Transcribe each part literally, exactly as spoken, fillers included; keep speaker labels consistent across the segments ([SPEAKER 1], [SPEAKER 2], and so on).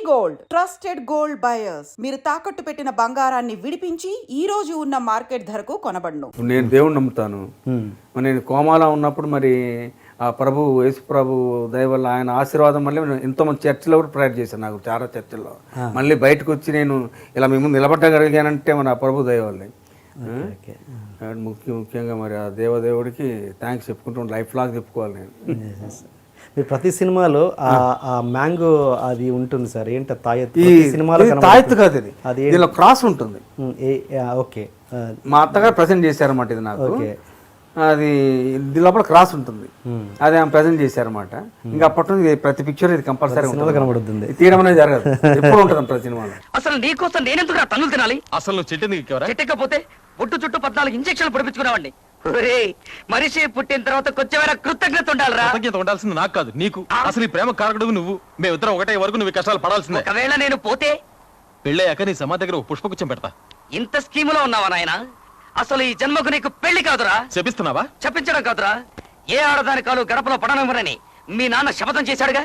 [SPEAKER 1] Gold trusted gold buyers మీరు తాకట్టు పెట్టిన బంగారాన్ని విడిపించి ఈ రోజు ఉన్న మార్కెట్ ధరకు కొనబడును.
[SPEAKER 2] నేను దేవుణ్ణి నమ్ముతాను. నేను కోమాలో ఉన్నప్పుడు మరి ఆ ప్రభు యేసు ప్రభు దయ వల్ల ఆయన ఆశీర్వాదం వల్ల ఎంతో మంది చర్చిలో కూడా ప్రేయర్ చేశాను. నాకు చాలా చర్చిల్లో మళ్ళీ బయటకు వచ్చి నేను ఇలా మేము నిలబడగలిగానంటే మన ప్రభు దయ వల్లే. ముఖ్య ముఖ్యంగా మరి ఆ దేవదేవుడికి థ్యాంక్స్ చెప్పుకుంటూ లైఫ్ లాగా చెప్పుకోవాలి. నేను
[SPEAKER 3] మీరు ప్రతి సినిమాలో ఆ మ్యాంగో అది ఉంటుంది సార్, ఏంటి తాయెత్తు?
[SPEAKER 2] ఈ సినిమాలో తాయెత్తు కాదు, ఇది అది దీనిలో క్రాస్ ఉంటుంది.
[SPEAKER 3] ఓకే,
[SPEAKER 2] మా అత్తగారు ప్రజెంట్ చేశారన్నమాట ఇది నాకు. అది దీని లోపల క్రాస్ ఉంటుంది, అది ఆమె ప్రజెంట్ చేశారన్నమాట. ఇంకా అప్పటి నుంచి ప్రతి పిక్చర్ ఇది కంపల్సరీ
[SPEAKER 3] కనబడుతుంది,
[SPEAKER 2] తీయడం అనేది జరగదు, ఎప్పుడు ఉంటుంది ప్రతి సినిమాలో.
[SPEAKER 4] అసలు నీకోసం నేనెందుకు తన్నులు తినాలి?
[SPEAKER 5] అసలు నువ్వు చెట్టు
[SPEAKER 4] చెట్టకపోతే ఒట్టు చుట్టూ పద్నాలుగు ఇంజక్షన్లు పొడిపించుకున్నావండి. మనిషి పుట్టిన తర్వాత కొంచెమైనా కృతజ్ఞత ఉండాలిరా.
[SPEAKER 5] కృతజ్ఞత ఉండాల్సింది నాకు కాదు, నీకు. అసలు ఈ ప్రేమ కారకుడు నువ్వు. మేమిద్దరం ఒకటే వరకు నువ్వు కష్టాలు పడాల్సిందే.
[SPEAKER 4] ఒకవేళ నేను పోతే
[SPEAKER 5] పెళ్ళయ్యాక నీ సమాధి దగ్గర పుష్పగుచ్చం పెడతా.
[SPEAKER 4] ఇంత స్కీములో ఉన్నావా నాయన? అసలు ఈ జన్మకు నీకు పెళ్లి కాదురా.
[SPEAKER 5] చెప్పిస్తున్నావా?
[SPEAKER 4] చెప్పించడం కాదురా, ఏ ఆడదాని కాలు గడపలో పడనివ్వరని మీ నాన్న శపథం చేశాడుగా.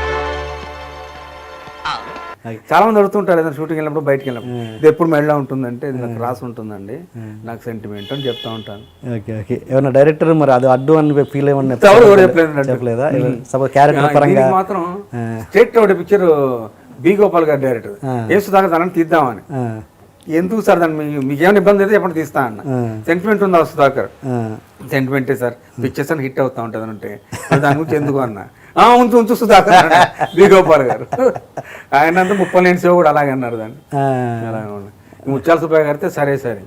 [SPEAKER 2] చాలా మంది అడుగుతుంటారు ఏదైనా షూటింగ్ వెళ్ళినప్పుడు బయటకు వెళ్ళినప్పుడు ఇది ఎప్పుడు మెడలో ఉంటుందంటే ఇది నాకు రాసి ఉంటుందండి, నాకు సెంటిమెంట్ అని చెప్తా ఉంటాను.
[SPEAKER 3] ఓకే ఓకే ఏమన్నా డైరెక్టర్ మరి అది అడ్డు అని ఫీల్ ఏమన్నా చెప్పలేదా?
[SPEAKER 2] మాత్రం స్టేట్ ఒకటి పిక్చర్ బి గోపాల్ గారు డైరెక్టర్ ఏ సుధాకర్ దాన్ని తీద్దామని. ఎందుకు సార్ దాన్ని మీకు ఏమైనా ఇబ్బంది అయితే ఎప్పుడు తీస్తా అన్న. సెంటిమెంట్ ఉందా సుధాకర్? సెంటిమెంటే సార్, పిక్చర్స్ అని హిట్ అవుతా ఉంటుంది అంటే దాని గురించి ఎందుకు అన్న. ఉంచు ఉంచు సుధాకర్ బి గోపాల్ గారు ఆయన అంతా ముప్పై లేని సేవ కూడా అలాగే అన్నారు దాన్ని. అలాగే ముత్యాల సుబ్బయ్య గారితే సరే సరే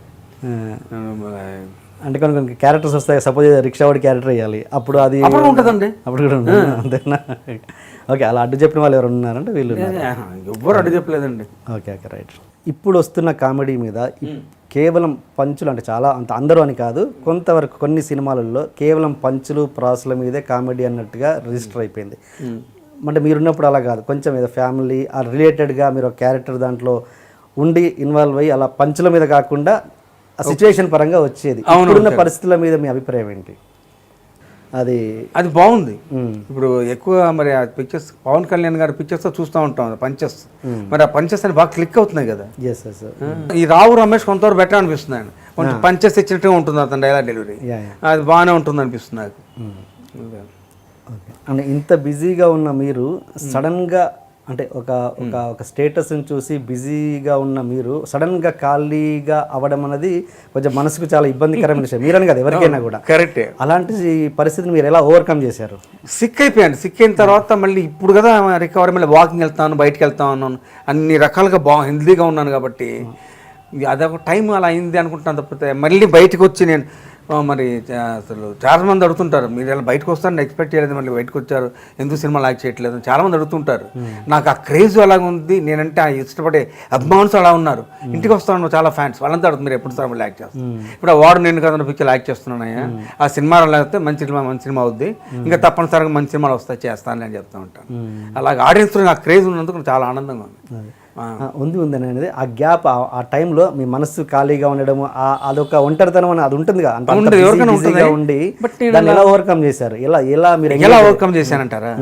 [SPEAKER 3] అంటే కొన్ని కొన్ని క్యారెక్టర్స్ వస్తాయి. సపోజ్ రిక్షా వాడి క్యారెక్టర్ వేయాలి, అప్పుడు అది
[SPEAKER 2] ఉంటుందండి,
[SPEAKER 3] అప్పుడు కూడా ఉంటుంది అంతేనా? ఓకే, అలా అడ్డు చెప్పిన వాళ్ళు ఎవరు ఉన్నారంటే వీళ్ళు
[SPEAKER 2] ఎవ్వరు అడ్డు చెప్పలేదండి.
[SPEAKER 3] Okay okay right. ఇప్పుడు వస్తున్న కామెడీ మీద కేవలం పంచులు అంటే చాలా అంత అందరూ అని కాదు, కొంతవరకు కొన్ని సినిమాలలో కేవలం పంచులు ప్రాసుల మీదే కామెడీ అన్నట్టుగా రిజిస్టర్ అయిపోయింది. అంటే మీరున్నప్పుడు అలా కాదు, కొంచెం ఏదో ఫ్యామిలీ ఆ రిలేటెడ్గా మీరు ఒక క్యారెక్టర్ దాంట్లో ఉండి ఇన్వాల్వ్ అయ్యి అలా పంచుల మీద కాకుండా ఆ సిచ్యువేషన్ పరంగా వచ్చేది. ఇప్పుడున్న పరిస్థితుల మీద మీ అభిప్రాయం ఏంటి? అది
[SPEAKER 2] అది బాగుంది. ఇప్పుడు ఎక్కువ మరి ఆ పిక్చర్స్ పవన్ కళ్యాణ్ గారి పిక్చర్స్ చూస్తూ ఉంటాం పంచెస్, మరి ఆ పంచెస్ అని బాగా క్లిక్ అవుతున్నాయి కదా. ఈ రావు రమేష్ కొంతవరకు బెటర్ అనిపిస్తుంది ఆయన, కొంచెం పంచెస్ ఇచ్చినట్టుగా ఉంటుంది అతను డైలాగ్ డెలివరీ, అది బాగానే ఉంటుంది అనిపిస్తుంది నాకు.
[SPEAKER 3] అంటే ఇంత బిజీగా ఉన్న మీరు సడన్గా అంటే ఒక ఒక ఒక స్టేటస్ని చూసి బిజీగా ఉన్న మీరు సడన్గా ఖాళీగా అవ్వడం అనేది కొంచెం మనసుకు చాలా ఇబ్బందికరమైన విషయం, మీరని కదా ఎవరికైనా కూడా.
[SPEAKER 2] కరెక్టే.
[SPEAKER 3] అలాంటి పరిస్థితిని మీరు ఎలా ఓవర్కమ్ చేశారు?
[SPEAKER 2] సిక్ అయిపోయాను. సిక్ అయిన తర్వాత మళ్ళీ ఇప్పుడు కదా రికవరీ, మళ్ళీ వాకింగ్ వెళ్తాను, బయటకు వెళ్తా ఉన్నాను, అన్ని రకాలుగా బాగా హెల్తీగా ఉన్నాను కాబట్టి అదొక టైం అలా అయింది అనుకుంటున్నాను. తప్పితే మళ్ళీ బయటకు వచ్చి నేను మరి అసలు చాలా మంది అడుగుతుంటారు, మీరు ఇలా బయటకు వస్తారని ఎక్స్పెక్ట్ చేయలేదు, మళ్ళీ బయటకు వచ్చారు, ఎందుకు సినిమా లాక్ చేయట్లేదు చాలా మంది అడుగుతుంటారు. నాకు ఆ క్రేజ్ అలాగ ఉంది, నేనంటే ఆ ఇష్టపడే అభిమానులు అలా ఉన్నారు. ఇంటికి వస్తాను చాలా ఫ్యాన్స్, వాళ్ళంతా అడుగుతుంది మీరు ఎప్పుడు సార్ మళ్ళీ యాక్ట్ చేస్తాను. ఇప్పుడు ఆ వాడు నేను కదా పిక్చర్ యాక్ట్ చేస్తున్నానయ్యా, ఆ సినిమాలో లేకపోతే మంచి సినిమా మంచి సినిమా అవుద్ది, ఇంకా తప్పనిసరిగా మంచి సినిమాలు వస్తాయి చేస్తాను అని చెప్తూ ఉంటాను. అలాగే ఆడియన్స్లో నాకు క్రేజ్ ఉన్నందుకు చాలా ఆనందంగా ఉంది.
[SPEAKER 3] ఉంది ఉంది అనేది ఆ గ్యాప్, ఆ టైంలో మీ మనసు ఖాళీగా ఉండడం, అదొక ఒంటరితనం అని అది ఉంటుంది కదా, ఉండి దాన్ని ఎలా ఓవర్కమ్ చేశారు? ఎలా ఎలా మీరు
[SPEAKER 2] ఎలా ఓవర్కమ్ చేశానంటారా?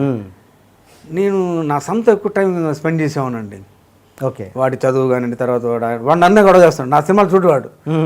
[SPEAKER 2] నేను నా సొంత ఎక్కువ టైం స్పెండ్ చేసేవానండి.
[SPEAKER 3] ఓకే,
[SPEAKER 2] వాడి చదువు కానీ తర్వాత వాడు వాడు అన్నీ గొడవ చేస్తాడు. నా సినిమాలు చూడవాడు,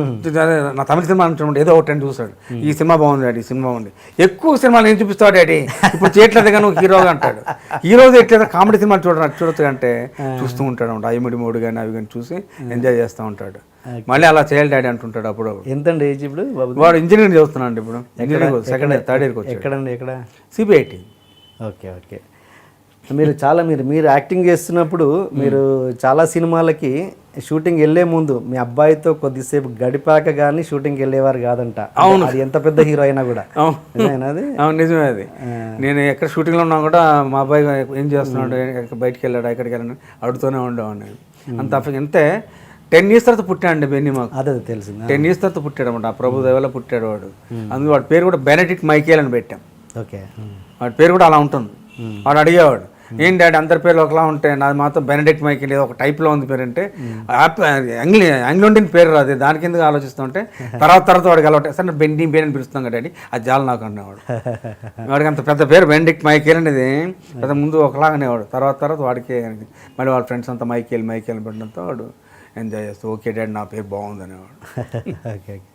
[SPEAKER 2] నా తమిళ సినిమా చూడండి ఏదో ఒకటి చూస్తాడు, ఈ సినిమా బాగుంది డాడీ, ఈ సినిమా బాగుంది. ఎక్కువ సినిమాలు నేను చూపిస్తాడు డాడీ, ఇప్పుడు చేయట్లేదు కానీ నువ్వు హీరోగా అంటాడు. హీరోగా ఎట్లేదు కామెడీ సినిమాలు చూడడం చూడొచ్చు అంటే చూస్తూ ఉంటాడు అనమాట. ఐమిడి మూడు కానీ అవి కానీ చూసి ఎంజాయ్ చేస్తూ ఉంటాడు. మళ్ళీ అలా చేయాలి డాడీ అంటుంటాడు. అప్పుడు
[SPEAKER 3] ఎంతండి ఏజ్ ఇప్పుడు?
[SPEAKER 2] వాడు ఇంజనీరింగ్ చదువుతున్నాడు ఇప్పుడు, ఇంజనీరింగ్ సెకండ్ ఇయర్ థర్డ్ ఇయర్కి వచ్చాడు.
[SPEAKER 3] ఎక్కడండి ఎక్కడ?
[SPEAKER 2] సిబిఐటి.
[SPEAKER 3] Okay okay. మీరు చాలా మీరు మీరు యాక్టింగ్ చేస్తున్నప్పుడు మీరు చాలా సినిమాలకి షూటింగ్ వెళ్ళే ముందు మీ అబ్బాయితో కొద్దిసేపు గడిపాక కానీ షూటింగ్కి వెళ్ళేవారు కాదంట. అవును, అది ఎంత పెద్ద హీరో అయినా కూడా.
[SPEAKER 2] అది అవును నిజమే. అది నేను ఎక్కడ షూటింగ్లో ఉన్నా కూడా మా అబ్బాయి ఏం చేస్తున్నాడు, బయటికి వెళ్ళాడు, ఎక్కడికి వెళ్ళాడు అడుగుతూనే ఉండేవాడిని. అంత అంతే. టెన్ ఇయర్స్ తర్వాత పుట్టాడు బెన్నీ మాకు.
[SPEAKER 3] అదే తెలిసింది.
[SPEAKER 2] టెన్ ఇయర్స్ తర్వాత పుట్టాడు అనమాట. ఆ ప్రభు దేవలో పుట్టాడు వాడు. అందుకు వాడి పేరు కూడా బెనెడిక్ట్ మైకేల్ అని పెట్టాం.
[SPEAKER 3] ఓకే,
[SPEAKER 2] వాడి పేరు కూడా అలా ఉంటుంది. వాడు అడిగేవాడు ఏం డాడీ అందరి పేర్లు ఒకలా ఉంటాయి, నాది మాత్రం బెనడిక్ట్ మైకేల్ ఏదో ఒక టైప్లో ఉంది పేరు అంటే ఆంగ్లీ ఆంగ్లోండియన్ పేరు రాదు, దానికి ఎందుకు ఆలోచిస్తుంటే తర్వాత తర్వాత వాడికి అలవాటు సార్ నేను బెండి బేన్ అని పిలుస్తాం కదా డాడీ, అది చాలా నాకు అనేవాడు. వాడికి అంత పెద్ద పేరు బెనడిక్ట్ మైకేల్ అనేది పెద్ద ముందు ఒకలాగా అనేవాడు, తర్వాత తర్వాత వాడికి మళ్ళీ వాళ్ళ ఫ్రెండ్స్ అంతా మైకేల్ మైకేల్ పెట్టడంతో వాడు ఎంజాయ్ చేస్తూ ఓకే డాడీ నా పేరు బాగుంది అనేవాడు.
[SPEAKER 3] Okay okay